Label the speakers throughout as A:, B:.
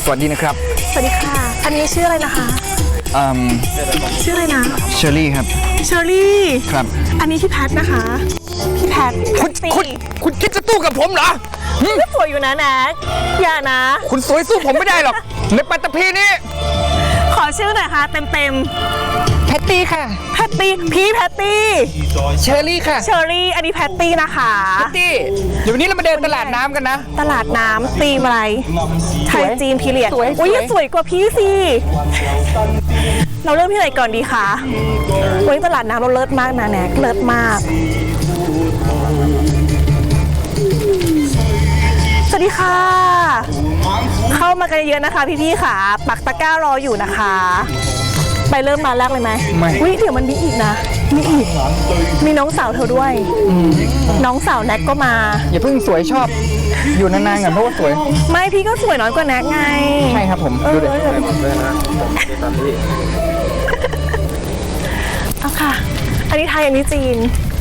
A: วัสดีนะครับ
B: สวัสดีค่ะอันนี้ชื่ออะไรนะคะชื่ออะไรนะ
A: เชอรี่ครับ
B: เชอรี่
A: ครับ
B: อันนี้พี่แพทนะคะพี่แพท
A: คุณคิดจะตู้กับผมเหรอ
B: ก็สวยอยู่นะแน็กอย่านะ
A: คุณสวยสู้ผมไม่ได้หรอกในปัตตภีนี้
B: ขอชื่อหน่อยค่ะเต็ม
A: แพตตี้ค่ะ
B: แพตตี้พี่แพตตี้
A: เชอรี่ค่ะ
B: เชอรี่อันนี้แพตตี้นะคะ
A: แพตตี้เดี๋ยววันนี้เรามาเดินตลาดน้ำกันนะ
B: ตลาดน้ำธีมอะไรไทยจีนพีเรียดอุ้ยสวยกว่าพี่สิเราเริ่มที่ไหนก่อนดีคะวันนี้ตลาดน้ำเราเลิศมากนะแน็กเลิศมากสวัสดีค่ะเข้ามากันเยอะนะคะพี่ๆค่ะปักตะกร้ารออยู่นะคะไปเริ่มมาแรกเลยไหมอุ้ยเดี๋ยวมันมีอีกนะมีอีกมีน้องสาวเธอด้วยน้องสาวแน็กก็มา
A: อย่าเพิ่งสวยชอบอยู่นานๆกันเพราะว่าสวย
B: ไม่พี่ก็สวยน้อยกว่าแน็กไง
A: ใช่ครับผมดูดิ
B: เอาค่ะอันนี้ไทยอันนี้จีน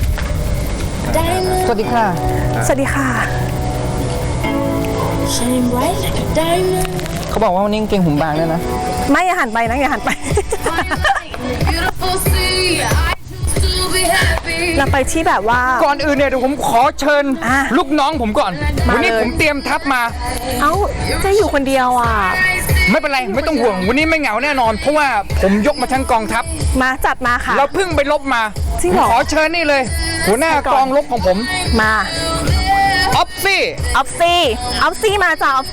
A: สวัสดีค่ะ
B: สวัสดีค่ะ
A: เขาบอกว่าวันนี้เก่งหุ่มบางด้วยนะ
B: ไม่อย่าหันไปนะอย่าหันไปเราไปที่แบบว่า
A: ก่อนอื่นเนี่ยเดี๋ยวผมขอเชิญลูกน้องผมก่อนวันนี้ผมเตรียมทัพมา
B: เอ้าจะอยู่คนเดียวอ่ะ
A: ไม่เป็นไรไม่ต้องห่วงวันนี้ไม่เหงาแน่นอนเพราะว่าผมยกมาทั้งกองทัพ
B: มาจัดมาค่ะ
A: เราเพิ่งไปลบมาขอเชิญนี่เลยหัวหน้ากองรบของผม
B: มา
A: ออฟซี่
B: มาจ้าออฟ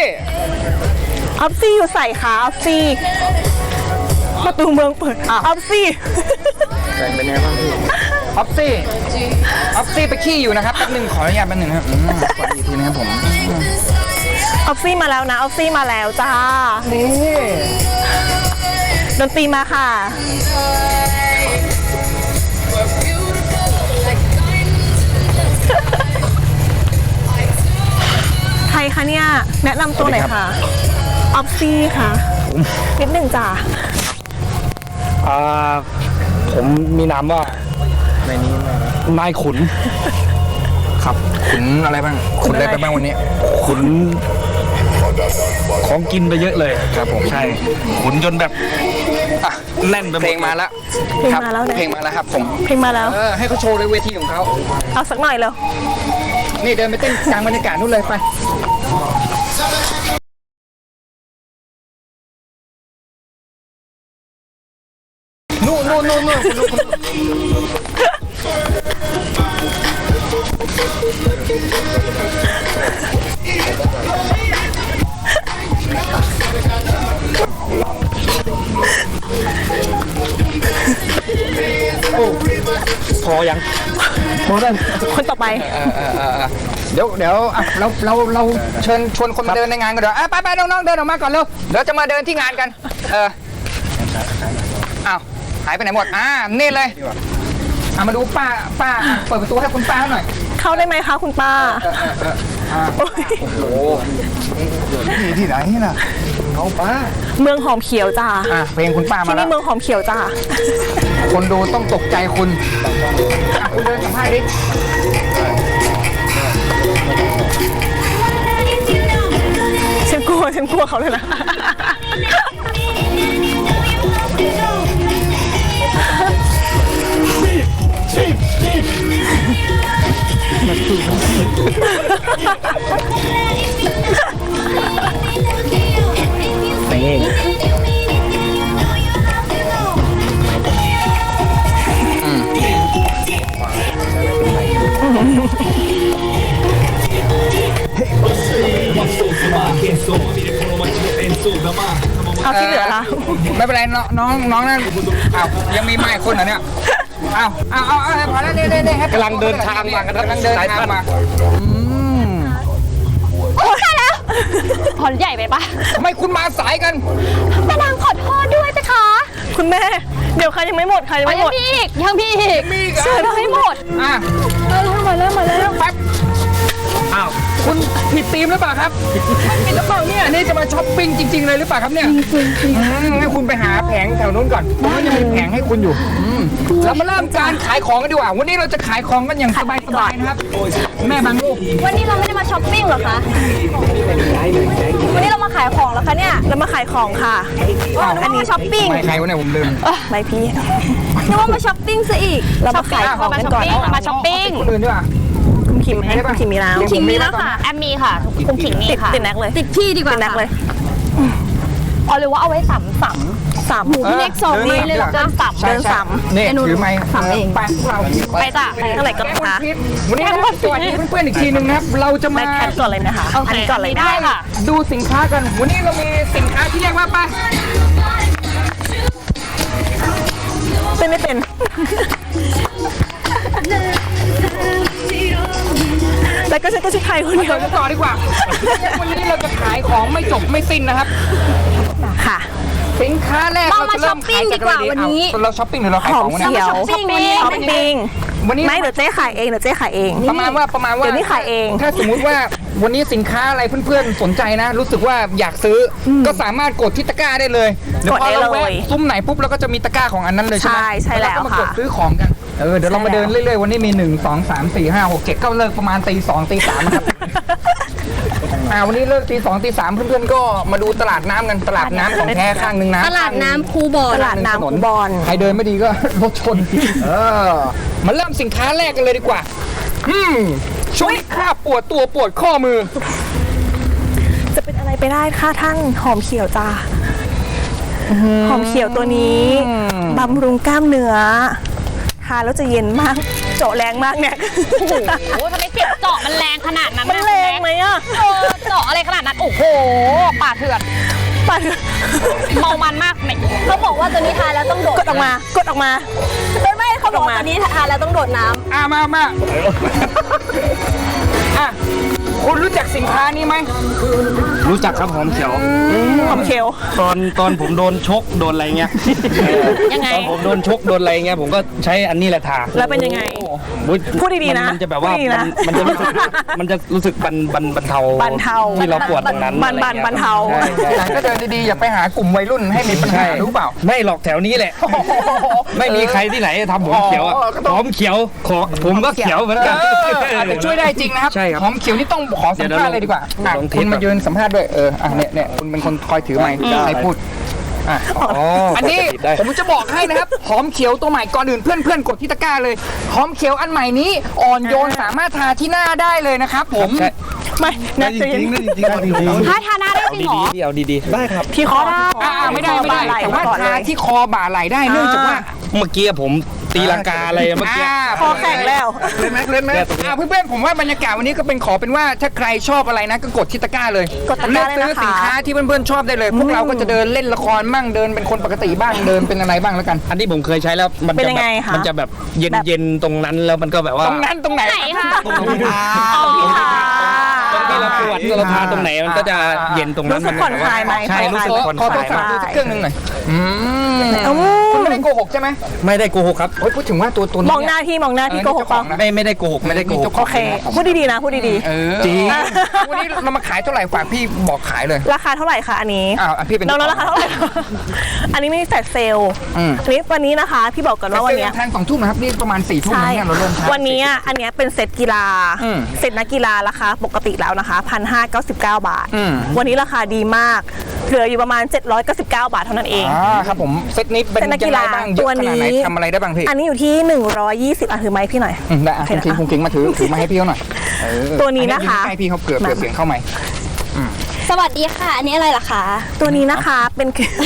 B: ซี่อยู่ใส่ขาออฟซี่ประตูเมืองเปิดออฟซี่
A: เป็นไงบ้างพี่ออฟซี่ไปขี้อยู่นะครับแป๊บนึงขออนุญาตแป๊บนึงครับสวัสดีทีนะครับผม
B: ออฟซี่มาแล้วนะออฟซี่มาแล้วจ้านี่ดนตรีมาค่ะใครคะเนี่ยแนะนำตัวหน่อยค่ะออฟซี่ค่ะนิดหนึ่งจ้า
A: ผมมีนามว่าในนี้นายขุนครับขุนอะไรบ้างขุนอะไรไปบ้างวันนี้ขุนของกินไปเยอะเลยครับผมใช่ขุนจนแบบแน่นไปหมดเพลงมาแล้วเพลงมาแล้วครับผม
B: เพลงมาแล้ว
A: ให้เขาโชว์ในเวทีของเขา
B: เอาสักหน่อยเลย
A: นี่เดินไปเต้นกลางบรรยากาศนู่นเลยไปนู่นพอยังพอได้
B: คนต่อไป
A: เดี๋ยวเราเชิญชวนคนมาเดินในงานกันเดี๋ยวไปน้องๆเดินออกมาก่อนเร็วเดี๋ยวจะมาเดินที่งานกันอ้าวหายไปไหนหมดนี่เลยมาดูป้าเปิดประตูให้คุณป้าหน่อย
B: เข้าได้ไหมคะคุณป้า
A: โอ้โหที่ไหนน่ะเขาป้า
B: เมืองหอมเขียวจ้า
A: เพลงคุณป้ามาแล้ว
B: ที่นี่เมืองหอมเขียวจ้า
A: คนดูต้องตกใจคุณคุณเดินสัมภาษณ์ดิ
B: ฉันกลัวเขาเลยนะเอาที่เหลือละ
A: ไม่เป็นไรน้องนั่นยังมีไม้คนเหรอเนี่ยเอาพอแล้วนี่กำลังเดินทางมากันกำลังเดินทางมา
C: โอ้ยแล้วพอใหญ่ไปปะ
A: ทำไมคุณมาสายกัน
C: ป้านางขอโทษด้วยจ้ะคะ
B: คุณแม่เดี๋ยวใครยังไม่หมด
C: ยังมีอีก
B: เชื่อเราให้หมด
C: มาแล้ว
A: แป๊บคุณผิดธีมหรือเปล่าครับไม่ผิดหรือเปล่าเนี่ยนี่จะมาช้อปปิ้งจริง ๆ เลยหรือเปล่าครับเนี่ยให้คุณไปหาแผงแถวนู้นก่อนมันจะมีแผงให้คุณอยู่เรามาเริ่มการขายของกันดีกว่าวันนี้เราจะขายของกันอย่างสบายๆนะครับแม่บางลูก
C: วันนี้เราไม่ได้มาช้อปปิ้งหรอคะ วันนี้เรามาขายของแล้วคะเนี่ย
B: เรามาขายของค่ะ
C: อันนี้ช้อปปิ้ง
A: ไม่ใครวะเนี่ยผมลืม
B: ไม่พี่
C: นึกว่ามาช้อปปิ้งซะอีก
B: เรามาขายของกันก่อน
C: มาช้อปปิ้ง
A: คนอื่นดีกว่า
B: คุณขิมไหมคุณขิมมีแล้ว
C: ขิงมีแล้วค่ะ แอมมีค่ะ คุณขิงมี
B: ติด
C: ค่ะ
B: ติดแน็กเลย
C: ติดที่ดีกว่า
B: ติดแน็กเลย
C: อ๋อหรือว่าเอาไว้สัม
B: สาม
C: พี่เล็กส่งมาเลยเหรอเดินสัม
A: ใช่
B: เดินสาม
A: นี่ถือไม้
C: สามเอง
A: ไปพวกเรา
C: ไปจ้ะ
B: เท่าไหร่ก็นะคะ
A: วันนี้นะครับสวัสดีเพื่อนๆอีกทีหนึงนะครับเราจะ
B: แบ
A: มา
B: ทแคทก่อนเลยนะคะ อันนี้ก่อนเลยนะ
C: ได้ค่ะ
A: ดูสินค้ากัน วันนี้เรามีสินค้าที่เรียกว่าไป
B: เป็นไม่เป็น แล้วก็ฉันก็ชื่อไทยคนเดียว
A: เดี๋ยวกันต่อดีกว่า วันนี้เราจะขายของไม่จบไม่สิ้นนะครับ
B: ค่ะ
A: สินค้าแรก
C: เรา
A: เรา
C: มา
A: จะเริ่มขายจากอะไร
C: ช้อปปิ้งดีกว่าวันนี้
A: เอาเราช้อปปิ้งหรือเราขาย
B: ห
A: ข
B: อ
A: อ
B: ม
A: งวะเนี่ย
B: เขียว
C: ช้อปปิ้งวันนี้
B: ช้อปปิ้ง
A: วันนี้
B: ไม่เดี๋ยวเจ๊ขายเองเดี๋ยวเจ๊ขายเอง
A: ประมาณว่า
B: เดี๋ยวนี้ขายเอง
A: ถ้าสมมุติว่าวันนี้สินค้าอะไรเพื่อนๆสนใจนะ รู้สึกว่าอยากซื้ออก็สามารถกดที่ตะกร้าได้เลยเดี๋ยวพอเราแวะซุ้มไหนปุ๊บเราก็จะมีตะกร้าของอันนั้นเลยใช่ไหม
B: ใช่แล้ว
A: ก็มากด
B: ค่ะ
A: ซื้อของกันเดี๋ยวเรามาเดินเรื่อยๆวันนี้มี1 2 3 4 5 6 7ก็เลิกประมาณตี 2ตี 3นะครับ วันนี้เลิกตี 2ตี 3เพื่อนๆก็มาดูตลาดน้ำกันตลาดน้ำของแท้ข้างหนึงนะ
C: ตลาดน้ำคูบอ
B: ตลาดน้ำคูบอล
A: ใครเดินไม่ดีก็ รถชนมาเริ่มสินค้าแรกกันเลยดีกว่าช่วยข้าปวดตัวปวดข้อมือ
B: จะเป็นอะไรไปได้ค่ะทั้งหอมเขียวจ้าหอมเขียวตัวนี้บำรุงกล้ามเนื้อทานแล้วจะเย็นมาก เจาะแรงมากเนี่ย
C: โอ้โหทำไมเจ็บเจาะมันแรงขนาดนั้น
B: มันแรงไหมอ่ะ
C: เจาะอะไรขนาดนั้น โอ้โห ป่าเถื่อน
B: ปัด
C: เมามันมากไหมเขาบอกว่าตัวนี้ทานแล้วต้องโดด
B: กดออกมากดออกมา
C: ไม่เขาบอกว่าตัวนี้ทานแล้วต้องโดดน้ำ
A: มาคุณรู้จักสินค้านี้ไหม
D: รู้จักครับหอมเขียว
B: หอมเขียว
D: ตอนผมโดนชกโดนอะไรเงี้ย
B: ยังไง
D: ตอนผมโดนชกโดนอะไรเงี้ยผมก็ใช้อันนี้แหละทา
B: แล้วเป็นยังไง
D: อุ๊ย
B: พูดดีๆนะ
D: มันจะแบบว่า
B: พูดดีๆนะ
D: มันจะรู้สึกบรรเทา
B: บรรเทา
D: ที่เราปวดตรงนั้น
B: บรร
D: อะไรงี้ย
B: บรรเทา
D: ใช่ใช่
A: หลังก็เดินดีๆอย่าไปหากลุ่มวัยรุ่นให้มีปัญหารู้เปล่า
D: ไม่หรอกแถวนี้แหละ ไม่มีใครที่ไหนทำผมเขียวอะ
A: ก็ต้อง
D: หอมเขียวผมก็เขียวเหมือนกัน
A: อาจจะช่วยได้จริงนะครับ
D: ใช่ครับ
A: หอมเขียวนี่ต้องขอสัมภาษณ์เลยดีกว่า
D: ลองเทส
A: คุณมายืนสัมภาษณ์ด้วยเนี่ยคุณเป็นคนคอยถือไมค์ใครพูดอันนี้
D: ได้
A: ผมจะบอกให้นะครับ หอมเขียวตัวใหม่ก่อนอื่นเพื่อนๆกดที่ตะกร้าเลย หอมเขียวอันใหม่นี้อ่อนโยนสามารถทาที่หน้าได้เลยนะครับผม
D: ใช่
B: ไม่นะ
D: จริงๆจริงๆเอาดีๆ
C: ถ้าทาหน้าได้จริงเหรอ
D: เอาดีๆได้ครับ
B: ที่คอ
A: ไม่ได้แต่ว่าทาที่คอบ่าไหล่ได้เนื่องจากว่า
D: เมื่อกี้ผมตีลังกาอะไรเมื่อกี้
B: คอแข็งแล้ว
A: เล่นไหมเพื่อนๆผมว่าบรรยากาศวันนี้ก็เป็นขอเป็นว่าถ้าใครชอบอะไรนะก็กดที่ตะกร้าเลย
B: กดตะกร้าเลยนะคะ
A: เลือกซื้อสินค้าที่เพื่อนๆชอบได้เลย พวกเราก็จะเดินเล่นละครบ้างเดินเป็นคนปกติบ้างเดินเป็นอะไรบ้างแล้วกัน
D: อันที่ผมเคยใช้แล้วมัน
B: เป็น
D: จะ
B: ยัง
D: แบ
B: ไง
D: บ
B: คะ
D: มันจะแบบเย็นๆตรงนั้นแล้วมันก็แบบว่า
A: ตรงนั้นตรงไหน
C: ไหนคะ
D: ตรงที่ทา
B: เอาที่ทา
D: ตรงที่เราปวดเราทาตรงไหนมันก็จะเย็นตรงนั้น
B: รู้สึกผ่อนคลายไหม
D: ใช่รู้สึกผ่อน
A: ขอ
D: ค
A: โท
D: ลาร ย
A: ศัพ
D: มาก
A: ท์ดูสักเครื่องหนึงหน่อย
B: อืม
A: คุณไม่ได้โกหกใช่ไหม
D: ไม่ได้โกหกครับ
A: โอ้ยพูดถึงว่าตัว
B: มองหน้าพี่โกหกเปล่า
D: ไม่ได้โกหกไม่ได้โกหก
B: โอเค พูดดีๆนะ พูดดี
D: จริง
A: วันนี้เรามาขายเท่าไหร่ฝากพี่บอกขายเลย
B: ๆ ราคาเท่าไหร่คะอันนี้
A: พี่เป็น
B: น้องๆราคาเท่าไหร่ อันนี้ไม่มีแฟลชเซลล์
A: อืม
B: อันนี้วันนี้นะคะ พี่บอกก่อนว่าวันเนี้ย
A: ทาง2 ทุ่มนะครับนี่ประมาณ4 ทุ่ม
B: ใช่
A: นะเนี่ยเราเริ่ม
B: วันนี้อันเนี้ยเป็นเซตกีฬา
A: อืม
B: เซตนักกีฬาราคาปกติแล้วนะคะ 1,599 บาท
A: อืม
B: วันนี้ราคาดีมาก เหลืออยู่ประมาณ 799 บาทเท่านั้นเอง
A: ครับผมเซตนี้เป็น
B: เซตนัก
A: ยั
B: กี
A: งไง
B: ฬา
A: บ้างเย
B: ตัว
A: อะขนาด
B: นี้
A: ไหนทำอะไรได้บ้างพี่
B: อันนี้อยู่ที่ 120ถือไม้พี่หน่อย
A: ได้คุณคิงมาถือมาให้พี่เขาหน่อย
B: ตัวนี้นะคะ
A: ให้พี่เขาเกือบเสียงเข้าไหม
C: สวัสดีค่ะ อันนี้อะไรล่ะคะ
B: ตัวนี้นะคะเป็น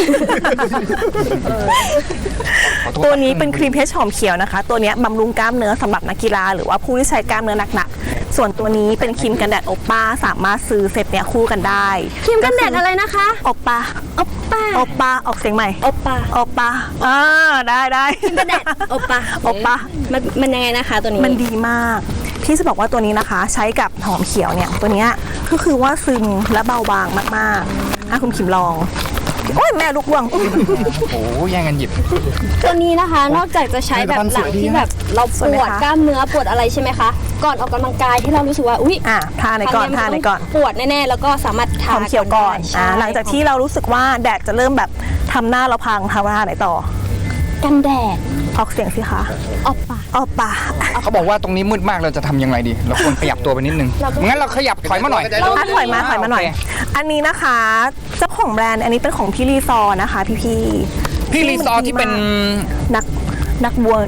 B: ตัวนี้เป็นครีมเพชรหอมเขียวนะคะ ตัวเนี้ยบำรุงกล้ามเนื้อสำหรับนักกีฬาหรือว่าผู้ที่ใช้กล้ามเนื้อหนักๆ ส่วนตัวนี้เป็นครีมกันแดดโอป้าสามารถซื้อเซตเนี้ยคู่กันได้
C: ครีมกันแดดอะไรนะคะ
B: โอป้า
C: โอป้า
B: โอป้าออกเสียงใหม่
C: โอป้า
B: โอป้าได้
C: ครีมกันแดดโอป้า
B: โอป้า
C: มันยังไงนะคะตัวนี้
B: มันดีมากที่จะบอกว่าตัวนี้นะคะ ใช้กับหอมเขียวเนี่ยตัวเนี้ยก็คือว่าซึมและเบาบางมากๆคุณขิมลองโอ้ยแม่ลูกว่วง
A: โอ้โหแย่งกันหยิบ
C: ตัวนี้นะคะ นอกจากจะใช้แบบหลังที่แบบเราปวดกล้ามเนื้อปวดอะไรใช่ไหมคะ ก่อนออกกำลังกายที่เรารู้สึกว่าอุ๊ย
B: ทาไหนก่อนทาไหนก่อน
C: ปวดแน่ๆแล้วก็สามารถ
B: ห
C: ทา
B: อมเขียวก่อน
C: ใช่
B: หลังจากที่เรารู้สึกว่าแดดจะเริ่มแบบทำหน้าเราพังทาไหนต่อ
C: กันแดด
B: ออกเสียงสิคะ
C: ออกปาก
B: ออกปาก
A: เขาบอกว่าตรงนี้มืดมากเราจะทำยังไงดี เราควรขยับตัวไปนิดนึงงั้นเราขยับถอยมาหน่อย
B: ถอยมาหน่อย
A: โอเค
B: อันนี้นะคะเจ้าของแบรนด์อันนี้เป็นของพี่รีซอร์นะคะพี่
A: พี่รีซอร์ที่เป็น
B: นักบอล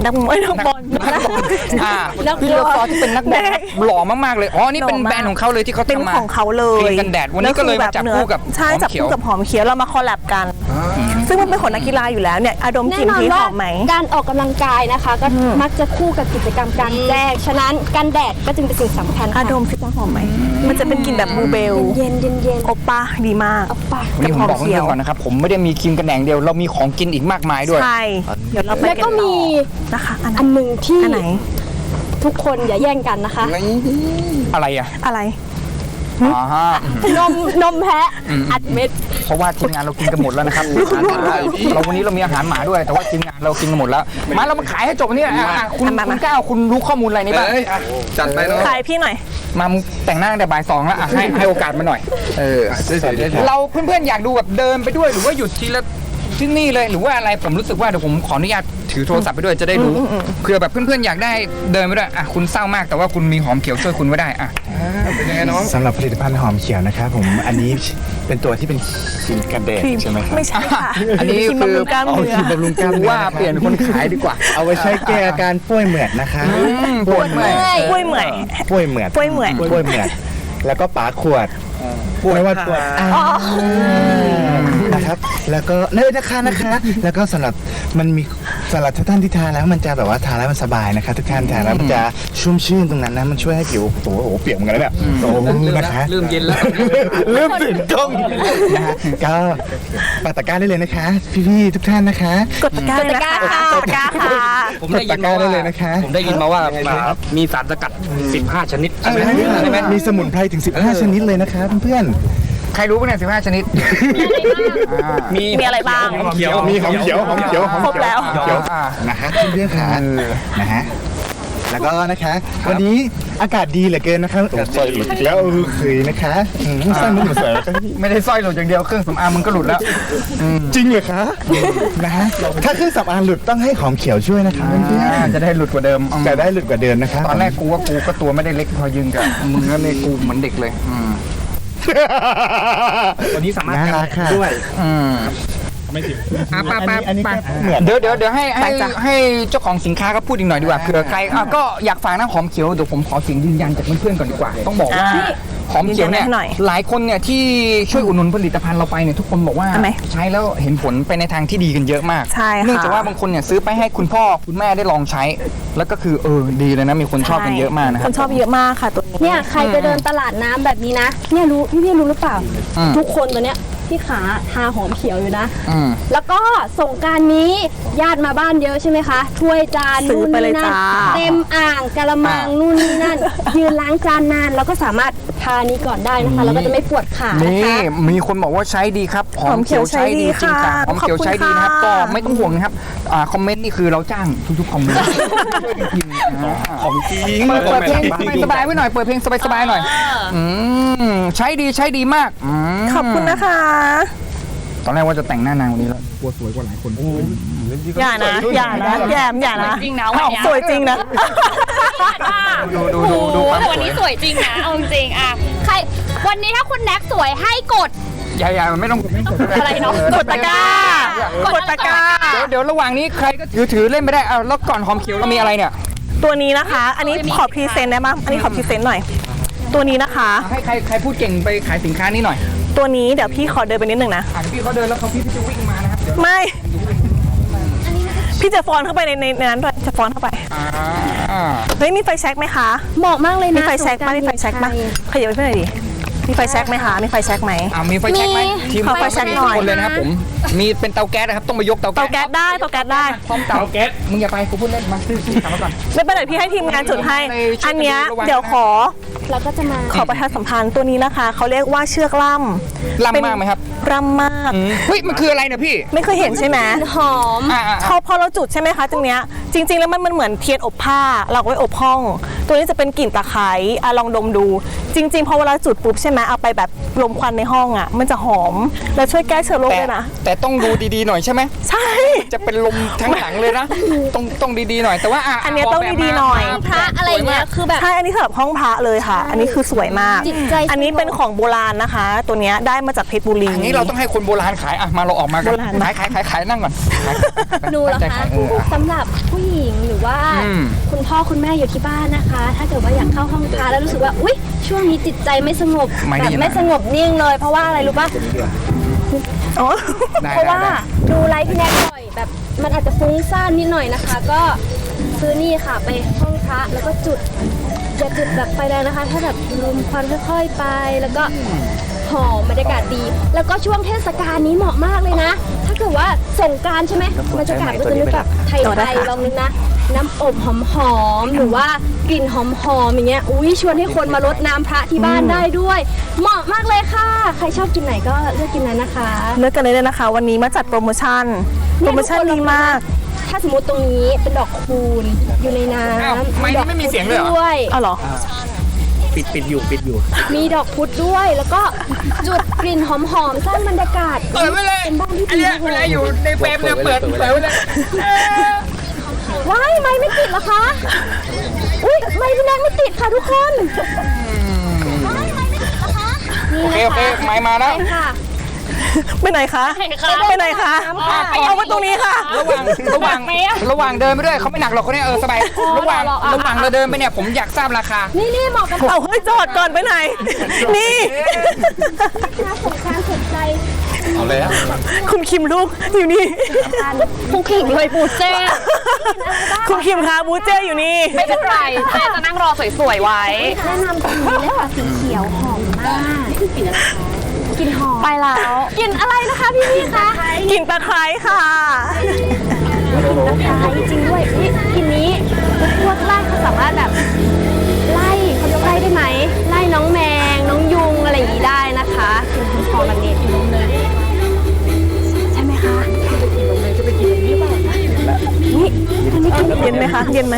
A: พี่รีซอร์ที่เป็นนักบอลครับหล่อมากๆเลยอ๋อนี่เป็นแบรนด์ของเขาเลยที่เขา
B: เป็น
A: ทำมา
B: ของเขาเล
A: ครี
B: ย
A: มกันแดดวันนี้ก็เลยมาจับคู่กับ
B: ใช่
A: หอม
B: จับ
A: เขียว
B: คู่กับหอมเขียวเรามาคอลแลบกัน ซึ่งมันเป็นของนักกีฬาอยู่แล้วเนี่ยอดมก
C: แน่
B: ลิ่น
C: นอน
B: พีช
C: ว่า
B: หอมไหม
C: การออกกำลังกายนะคะ ก็มักจะคู่กับกิจกรรมกลางแจ้งฉะนั้นกันแดดก็จึงเป็นสิ่งสำคัญ
B: อ
C: ค่ะ
B: ดมสิว่าหอมไหมมันจะเป็นกลิ่นแบบบลูเบล
C: เย็นเย็น
B: โอป้าดีมาก
C: เอาปาก
A: วันนี้ผมบอกเพื่อนๆก่อนนะครับผมไม่ได้มีครีมกันแดดเดียวเรามีของกินอีกมากมายด้วย
B: ใช่เดี๋ยวเราไป
C: แล้วก็
B: นต่อ
C: มี
B: นะคะอัน
C: อันหนึ่งที่
B: ไหน
C: ทุกคนอย่าแย่งกันนะคะ
A: อะไรอ่ะ
B: อะไร
A: อ๋อฮะ
C: นมแพะอัดเม็ด
A: เพราะว่าทีมงานเรากินกันหมดแล้วนะครับเราวันนี้เรามีอาหารหมาด้วย แต่ว่าทีมงานเรากินกันหมดแล้วมาเรามาขายให้จบเนี่ยคุณก้าวคุณรู้ข้อมูลอะไรนี่บ้าง
D: จัดไปเนาะ
B: ขายพี่หน่อย
A: มามึงแต่งหน้าตั้งแต่บ่ายสองแล้วให้โอกาสมาหน่อย เราเพื่อนๆอยากดูแบบเดินไปด้วยหรือว่าหยุดทีละที่นี่เลยหรือว่าอะไรผมรู้สึกว่าเดี๋ยวผมขออนุญาตถือโทรศัพท์ไปด้วยจะได้รู้เผื่อแบบเพื่อนๆอยากได้เดินไปด้วยคุณเศร้ามากแต่ว่าคุณมีหอมเขียวช่วยคุณไว้ได้เป็นยังไงน้อง
E: สำหรับผลิตภัณฑ์หอมเขียวนะครับผม อันนี้เป็นตัวที่เป็นครีมกันแดด
B: ครีม
E: ใช่ไหมครับ
B: ไม่ใช่ค่ะ
A: อันนี้
B: ครีม
A: คือบ
B: ำรุงกล้ามเนื้อ
E: ครีมบำรุงกล้ามเนื้อ
A: ว่าเปลี่ยนคนขายดีกว่า
E: เอาไว้ใช้แก้อาการป่วยเหมือดนะคะ
A: ปวดเมื่อย
B: กล้วยเหมื่อย
E: ป่วยเหมือด
B: ป่วยเหมือด
E: ป่วยเหมือดแล้วก็ปาขวดไม่ว่าปวดนะครับ แล้วก็เนยนะคะแล้วก็สำหรับมันมีสำหรับทุกท่านที่ทานแล้วมันจะแบบว่าทานแล้วมันสบายนะคะทุกท่านทานแล้วมันจะชุ่มชื่นตรงนั้นนะมันช่วยให้ผิวโอ้โหเปียกเหมือนกันแล้วเนี่ยโอ้โหนะคะ
A: เริ่มเย็นแล้ว
E: เริ่มตื่นกล้องนะฮะก็ปักตะกร้าได้เลยนะคะ พี่ๆทุกท่านนะคะ
B: กดตะกร้าเลยนะคะกดตะกร้าค่ะ
D: ผมได้ยินมาว่าผมได้ยินมาว่ามีสารสกัด 15 ชนิดใช่ไหม
E: ใช่ไหมมีสมุนไพรถึง 15 ชนิดเลยนะคะเพื่อน
A: ใครรู้ป่ะเนี่ย15 ชนิด
B: มีอะไรบ้าง
D: หอมเขียว
E: ๆมีหอมเขียว
B: ครบแล้ว
E: เขียวนะฮะเพื่อนๆค่ะนะฮะแล้วก็นะคะ วันนี้อากาศดีเหลือเกินนะคะสวยหลุดอีกแล้วเคยนะคะสร้างมุกมาเสริม
A: ไม่ได้สร้อยหลุดอย่างเดียวเครื่องสำอางมึงก็หลุดแล้ว
E: จริงเหรอคะนะฮะถ้าเครื่องสำอางหลุดต้องให้หอมเขียวช่วยนะคะเพื่อน
A: จะได้หลุดกว่าเดิม
E: ๆจะได้หลุดกว่าเดิมนะคะ
A: ตอนแรกกูว่ากูก็ตัวไม่ได้เล็กพอยืนกับมึงก็เลยกูเหมือนเด็กเลย
D: วันนี้สามารถ
E: น่ารักค่ะ
D: ด้วย
E: อันนี้ก็เหมือน
A: เดี๋ยวให้เจ้าของสินค้าก็พูดอีกหน่อยดีกว่าเผื่อใครก็อยากฝากนะหอมเขียวเดี๋ยวผมขอเสียงยืนยันจากเพื่อนๆก่อนดีกว่า ต้องบอกว่าหอมเขียวเนี่ย
B: ยืนยันให้หน่อย
A: หลายคนเนี่ยที่ช่วยอุดหนุนผลิตภัณฑ์เราไปเนี่ยทุกคนบอกว่า
B: ทำไม
A: ใช้แล้วเห็นผลไปในทางที่ดีกันเยอะมาก
B: ใช่ค่ะ
A: เนื่องจากว่าบางคนเนี่ยซื้อไปให้คุณพ่อคุณแม่ได้ลองใช้ แล้วก็คือดีเลยนะมีคนชอบกันเยอะมากนะค
B: ครับ นชอบเยอะมากค่ะตัวนี้
C: เนี่ยใครไปเดินตลาดน้ำแบบนี้นะเนี่ยรู้พี่รู้หรือเปล่า ทุกคนตัวเนี้ยที่ขาทาหอมเขียวอยู่นะ แล้วก็สงกรานต์นี้ญาติมาบ้านเยอะใช่ไหมคะถ้วยจาน
B: ซื้อ
C: นู่น
B: ไปเลย
C: นี่นั่น
B: จ้า
C: เต็มอ่างกะละมังนู่นนี่นั่น ยืนล้างจานนานแล้วก็สามารถทานี้ก่อนได้นะคะแล้วก็จะไม่ปวดขานะ
A: นี่
C: คะ
A: มีคนบอกว่าใช้ดีครับหอมเขียวใช้ดีจริงค่ะหอมเขียวใช้ดีนะครับก็ไม่ต้องห่วงนะครับคอมเมนต์นี่คือเราจ้างทุกๆคอมเมนต์ของจริงเปิดเพลงสบายๆไว้หน่อยเปิดเพลงสบายๆหน่อยใช้ดีมาก
B: ขอบคุณนะคะ
A: ตอนแรกว่าจะแต่งหน้านางวันนี้แล้วกลัวสวยกว่าหลายคน
B: อย่านะอย่านะ
C: จริงนะ
B: อ้าวสวยจริงนะ
A: ดูความ
C: วันนี้สวยจริงนะเอาจริงอ่ะใครวันนี้ถ้าคุณแน็กสวยให้กด
A: อย่าไม่ต้องกด
C: อะไรเนาะ
B: กดตะกร้ากดตะกร้า
A: เดี๋ยวระหว่างนี้ใครก็ถือเล่นไม่ได้แล้วก่อนหอมเขียวเรามีอะไรเนี่ย
B: ตัวนี้นะคะ อันนี้ขอพรีเซนต์ได้ไหมอันนี้ขอพรีเซนต์หน่อย ตัวนี้นะคะ
A: ให้ใครพูดเก่งไปขายสินค้านี้หน่อย
B: ตัวนี้เดี๋ยวพี่ขอเดินไปนิดนึงนะ
A: พี่เขาเดินแล้วพี่จะวิ่งมานะครับเดี๋ยว
B: ไม่ พี่จะฟอนเข้าไปในนั้นด้วยจะฟอนเข้าไป เฮ้ยมีไฟแช็กไหมคะ
C: เหมาะมากเลย
B: มี
C: นะ
B: ไฟแช็กไหมมีไฟแช็กไหมขยับไปเพื่อนหน่อยดิมีไฟแช็กไหมคะมีไฟแช็กไหม
A: มีไฟแช็กไหมทีม
B: ขอไฟแช็กหน่อย
A: ทุคนเลยนะครับผมมีเป็นเตาแก๊สนะครับต้องไปยกเตา
B: เตาแก๊สได้เตาแก๊สได้
A: พร้อมเตาแก๊สมึงอย่าไปกูพูดเล่นมาซื้อกลับมาก่อน
B: ไม่เป็นไรพี่ให้ทีมงานจุดให้ อันเนี้ยเดี๋ยวขอ
C: เราก็จะมา
B: ประชาสัมพันธ์ตัวนี้นะคะเขาเรียกว่าเชือกล่ำ
A: ล่ำมากไหมครับ
B: ร่ำมาก
A: เฮ้ยมันคืออะไรเนี่ยพี่
B: ไม่เคยเห็นใช่ไหม
C: หอม
B: พอเราจุดใช่ไหมคะตรงเนี้ยจริง ๆ แล้วมันเหมือนเทียนอบผ้าเราเอาไว้อบห้อง ตัวนี้จะเป็นกลิ่นตะไคร้ลองดมดู จริงๆพอเวลาจุดปุ๊บใช่ไหมเอาไปแบบลมควันในห้องอ่ะมันจะหอมแล้วช่วยแก้เชื้อโรคด้วยนะ
A: แต่ต้องดูดีๆหน่อยใช่ไหม
B: ใช่
A: จะเป็นลมทั้งหลังเลยนะต้องดีๆหน่อยแต่ว่า
B: อันเนี้ยต้องดีๆหน่อย
C: พระอะไรเงี้ยคือแบบ
B: ใช่อันนี้สำหรับห้องพระเลยค่ะ อันนี้คือสวยมาก
C: จิตใจ
B: อันนี้เป็นของโบราณนะคะ ตัวเนี้ยได้มาจากเพชรบุรี
A: อันนี้เราต้องให้คนโบราณขายอ่ะมาเราออกมากัน
B: โบราณ
A: ขายนั่งก่อน
C: ดูเหรอ
A: ตั้งใจ
C: คะ
A: ขาย
C: สำหรับผู้หญิงหรือว่า
A: อืม
C: คุณพ่อคุณแม่อยู่ที่บ้านนะคะ ถ้าเกิดว่าอยากเข้าห้องพระแล้วรู้สึกว่าอุ๊ยช่วงนี้จิตใจไม่สงบแบบไม่สงบนิ่งเลย เพราะว่าอะไรรู้ป่ะ
B: อ๋อ
A: ได้
C: เพราะว่า
A: ได้
C: ดูไลฟ์พี่แน็กบ่อยแบบมันอาจจะฟุ้งซ่านนิดหน่อยนะคะ ก็ซื้อนี่ค่ะไปห้องพระแล้วก็จุดอย่าจุดแบบไฟแรงนะคะ ถ้าแบบลมควันค่อยๆไปแล้วก็หอมบรรยากาศดี แล้วก็ช่วงเทศกาลนี้เหมาะมากเลยนะ ถ้าเกิดว่าสงกรานต์ใช่ไหมบรรยากาศก็จะนึกแบบไทยๆลองนึกนะ น้ำอบหอมๆหรือว่ากลิ่นหอมๆอย่างเงี้ยอุ้ยชวนให้คนมารดน้ำพระที่บ้านได้ด้วย เหมาะมากเลยค่ะ ใครชอบกินไหนก็เลือกกินนั้นนะคะ
B: เลือกกันเลยนะคะ วันนี้มาจัดโปรโมชั่นดีมาก
C: ถ้าสมมติตรงนี้เป็นดอกคูณอยู่ในน้
A: อ้าว
C: ำ
A: ไม่ไม่มีเสียงเลยเหรอ
C: ด้วย
B: เอาเหรอ
D: ปิดอยู่
C: มีดอกพุธด้วยแล้วก็จุดกลิ่นหอมๆสร้างบรรยากาศ
A: เปิดไว้เลย
C: เป็นบ้านที่
A: อัน
C: ดี
A: เนี้ย
C: มาก
A: เว
C: เล
A: ลาย อยู่ในเฟรมเนี่ยเปิดไว้เลย
C: ว้ายไม่ติดเหรอคะอุ้ยไม่พี่แนกไม่ติดค่ะทุกคนไม่ติดเหรอคะ
A: โอเคไม้มาแล้ว
C: ใช่ค่ะ
B: ไปไหนคะ ไปไหนคะ เอามาตรงนี้ค่ะ
A: ระหว่างเดินไปด้วยเขาไม่หนักหรอกเขาเนี่ยสบายระหว่างเราเดินไปเนี่ยผมอยากทราบราคา
C: นี่เหมาะกับ
B: เอาให้จอดก่อนไปไหน นี่
C: ค้าสงการสนใจ
A: เอาเลยอะ
B: คุณคิมลูกอยู่นี่
C: ผู้ขิงเลยปูเจ้
B: คุณคิมคะบูเจอยู่นี่
F: ไม่เป็นไรแม่จะนั่งรอสวยๆไว้
C: แนะนำตัวนี้เลยค่ะสีเขียวหอมมากกลิ่นหอม
F: ไปแล้ว
C: กลิ่นอะไรนะคะพี่คะ
B: กลิ่นตะไคร้ค่ะ
C: นะคะจริงๆด้วยนี่กลิ่นนี้พวกไล่เขาสามารถแบบไล่เขาเรียกไล่ได้ไหมไล่น้องแมงน้องยุงอะไรอย่างนี้ได้นะคะกลิ่นหอมๆแบบนี้ใช่ไหมคะนี่อันนี้กลิ่น
B: เย็นไหมคะ เย็นไหม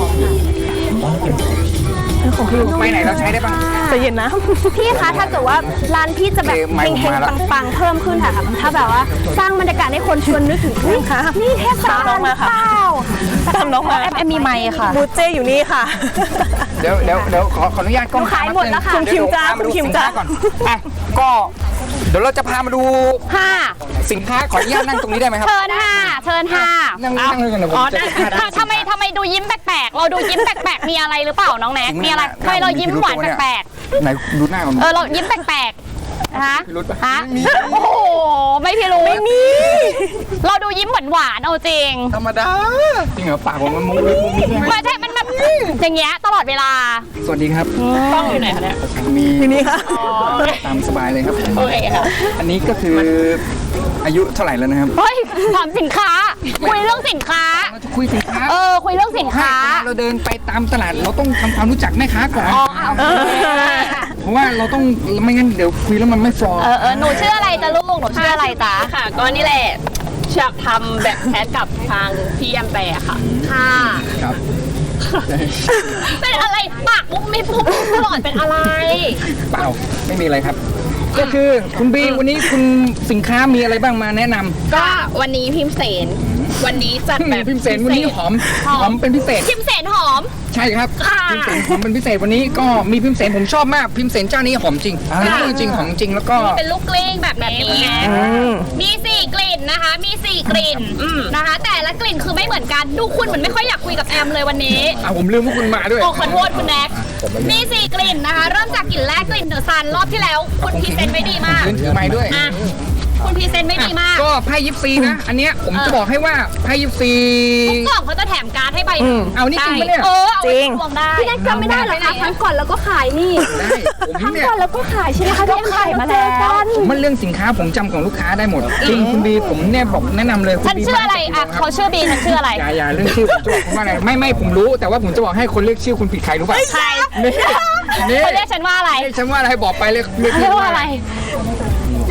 B: ของพี่
A: ไปไหนเราใช้ได้บ้าง
B: จะเย็นนะ
C: พี่คะถ้าเกิดว่าร้านพี่จะแบบ
A: ไม่
C: เฮ
A: ผม
C: ง
A: มาแล้ว
C: ๆปังๆเพิ่มขึ้นค่ะถ้าแบบว่าสร้างบรรยากาศให้คนชวนนึกถึงอุ๊ย
B: ค่ะ
C: นี่เทศกาล
B: ตามน้องมาค่ะ
C: เปล่า
B: ตามน้องมา
F: แอมมีไมค์ค่ะ
B: บูเจอยู่นี่ค่ะ
A: เดี๋ยวขออนุญาตกล้อง
C: ขายหมดแล้วค่ะ
B: คุณคิมจ้าคุณคิมจ้า
A: ก่อนอ่ะก็เดี๋ยวเราจะพามาดู
F: ค่ะ
A: สินค้าขออนุญาตนั่งตรงนี้ได้ไหมครับ
F: เชิญค่ะ เชิญค่ะ
A: นั่งเลยกันเลยผม
F: อ๋อ
A: จะ
F: ทำไมดูยิ้มแปลกๆ เราดูยิ้มแปลกๆ มีอะไรหรือเปล่าน้องแน็ก มีอะไรทำไมเรายิ้มหวานแปลก
A: ไหนดูหน้าก่อน
F: ๆ เรายิ้มแปลกๆฮะ
A: พิรุธปะ
F: ฮะโอ้โห ไม่พิรุธไม่มี เราดูยิ้มหวานๆ เอาจริง
A: ธรรมดาจริงเหรอปากผมมันมุ้งมิ้งมุ้งมิ้ง
F: ไม่ใช่ มันแบบอย่างเงี้ยตลอดเวลา
A: สวัสดีครับ
F: กล้องอยู่ไหนคะเนี่ย
A: มี
B: อยู่นี่ค่ะ
A: ตามสบายเลยครับ
F: โอเคค่ะ
A: อันนี้ก็คืออายุเท่าไหร่แล้วนะครับ
F: เฮ้ยถามสินค้า คุยเรื่องสินค้า
A: เราจะคุยสินค้า
F: คุยเรื่องสินค้า
A: เราเดินไปตามตลาดเราต้องทำความรู้จักแม่ค้าก่อน
F: อ๋อเอา
A: เพราะว่าเราต้องไม่งั้นเดี๋ยวคุยแล้วมันไม่ฟลอร์
F: หนูชื่ออะไรจ๊ะลูก หนูชื่ออะไรจ๊ะ
G: ค่ะ ก็นี่แหละอยากทำแบบแพทกับทางพี่แอมแปร์ค่ะ
F: ค่ะ
A: ครับ
F: เป็นอะไร ปากมุกไม่พูดตลอดเป็นอะไร
A: เปล่าไม่มีอะไรครับ ก็คือคุณบีวันนี้คุณสินค้ามีอะไรบ้างมาแนะนำ
G: ก็วันนี้พิมพ์เสน วันนี้จัดแบบ
A: พิมพ์เสนวันนี้หอมเป็นพิเศษ
F: พิมพ์เสนหอม
A: ใช่ครับ
F: ค่ะ
A: พิมพ์เสนหอมเป็นพิเศษวันนี้ก็มีพิมพ์เสนผมชอบมากพิมพ์เสนเจ้านี้หอมจริงอันนี้จริงหอมจริงแล้วก็
F: เป็นลูกกลิ้งแบบนี้มี4กลิ่นนะคะ มี4กลิ่นนะคะ แต่ละกลิ่นคือไม่เหมือนกัน ดูคุณเหมือนไม่ค่อยอยากคุยกับแอมเลยวันนี้
A: ผมลืมว่าคุณมาด้วย
F: โอ้ขอโทษคุณแน็กมี4กลิ่นนะคะ เริ่มจากกลิ่นแรกกลิ่นเดอะซันรอบที่แล้ว คุณพรีเซนต์ไม่ดีมาก
A: ยืนถือไม้ด้วย
F: อ่ะคุณพรีเซนต์ไม่ดีมาก
A: ก็ไพ่ยิปซีนะ อันเนี้ยผมจะบอกให้ว่าไพ่ยิปซี
F: ทุกกล่องเขาจะแถมการ์ดให้ใบหนึ่ง
A: เอานี่จริงปะเนี่ย
F: เอาไว้
B: จริง
F: ดวงได้
C: พี่แน็กจำไม่ได้เหรอคะครั้งก่อนเราก็ขายนี่
A: ได้ผม
C: ครั้ง
A: เนี่ย
C: ก่อนเราก็ขายใช่ไหมคะพี่แอมขายมาแล้วกัน
A: ผมมันเรื่องสินค้าผมจำของลูกค้าได้หมดจริงคุณบีผมเนี่ยบอกแนะนำเลยคุณ
F: ฉัน
A: บี
F: ชื่ออะไรอ่ะเขาชื่อบีฉันชื่ออะไร
A: อย่าเรื่องชื่อผมจะบอกว่าอะไรไม่ผมรู้แต่ว่าผมจะบอกให้คนเรียกชื่อคุณผิดใครรู้ป่ะ
F: ใคร
A: นี่
F: เขาเรียกฉันว่าอะไร
A: ฉันว่าอะไรบอกไปเลยเรียก
F: เรียกว่าอะไร
C: เ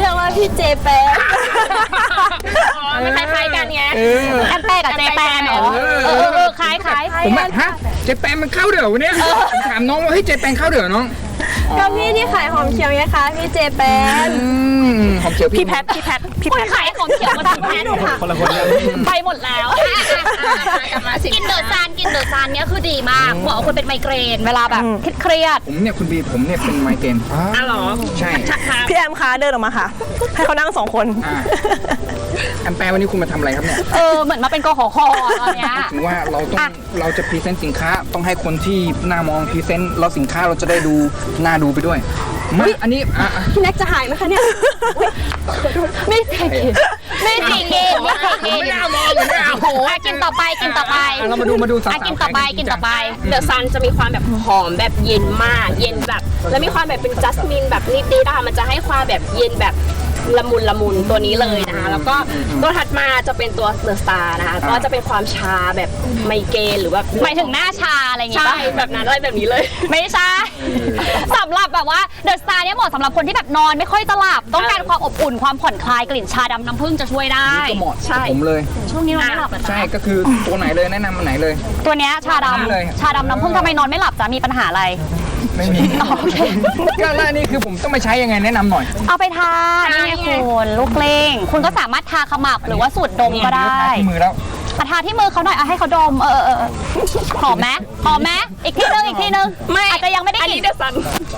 C: รียกว่าพี่เจแปน
F: มันคล้ายๆกันไง
B: แอมแป้กับเจแปนเหรอ
F: คล้าย
A: ผมแบบฮะเจแปนมันเข้าเดี๋ยววันเนี้ยผมถามน้องว่าเฮ้ยเจแปนเข้าเดี๋ยวน้อง
C: ก็พี่ที่ขายหอมเขียวไงคะพี่เจแปน
A: หอมเขียว
B: พี่แพท
F: คนขายของเขียวมาทำแทน
D: คนละคนกัน
F: ไปหมดแล้วกินเดอะซานเนี่ยคือดีมากเหมาะกับคนเป็นไมเกรนเวลาแบบเครียด
A: ผมเนี่ยคุณบีผมเนี่ยเป็นไมเกรน
F: อ๋อเหรอ
A: ใช่
B: พี่แอมคะเดินออกมาค่ะ ให้เขานั่งสองคน
A: แอมแปรวันนี้คุณมาทำอะไรครับเนี่ย
F: เหมือนมาเป็นกขคตอนเนี้ย
A: ถึงว่าเราจะพรีเซนต์สินค้าต้องให้คนที่หน้ามองพรีเซนต์แล้วสินค้าเราจะได้ดูน่าดูไปด้วยมาอันนี้
C: พี่แน็กจะหายไหมคะเนี่ย
F: ไม่จริงไม่จริง
A: ไม่น่ามองเลยเนี่ย
F: โอ้โหกินต่อไป
A: เรามาดูสาวๆ
F: กินต่อไป
G: เดอะซันจะมีความแบบหอมแบบเย็นมากเย็นแบบแล้วมีความแบบเป็นจัสมินแบบนิดๆนะคะมันจะให้ความแบบเย็นแบบละมุนตัวนี้เลยนะคะแล้วก็ตัวถัดมาจะเป็นตัวเดอะสตาร์นะคะก็จะเป็นความชาแบบไมเกรนหรือแบบ
F: หมายถึงหน้าชาอะไรอย่างงี้
G: ใช่
F: ป่ะ
G: แบบนั้นอะไรแบบนี้เลย
F: ไม่ใช่สำหรับแบบว่าเดอะสตาร์เนี่ยเหมาะสำหรับคนที่แบบนอนไม่ค่อยจะหลับต้องการความอบอุ่นความผ่อนคลายกลิ่นชาดำน้ำผึ้งจะช่วยได้
A: ก็เหมาะกับผมเลย
F: ช่วงนี้นอนไม่หลับเหรอ
A: ใช่
F: จ๊ะ
A: ก็คือตัวไหนเลยแนะนำอันไหนเลย
F: ตัวเนี้ยชา
A: เลย
F: ดำชาดำน้ำผึ้งทำไมนอนไม่หลับจ๊ะมีปัญหาอะไร
A: ไม่มี
F: โอเค
A: ก็แล้วอันนี่คือผมต้องมาใช้ยังไงแนะนำหน่อย
F: เอาไปทานี่ไงคุณลูกเล่งคุณก็สามารถทาขมับหรือว่าสูดดมก็ได้
A: ที่มือแล้ว
F: ทาที่มือเขาหน่อยเอาให้เขาดมหอมไหมอีกทีนึงไม่อาจจะยังไม่ได้
G: อัน
F: ก
G: นี้
F: ลิ่น
G: เดอะซัน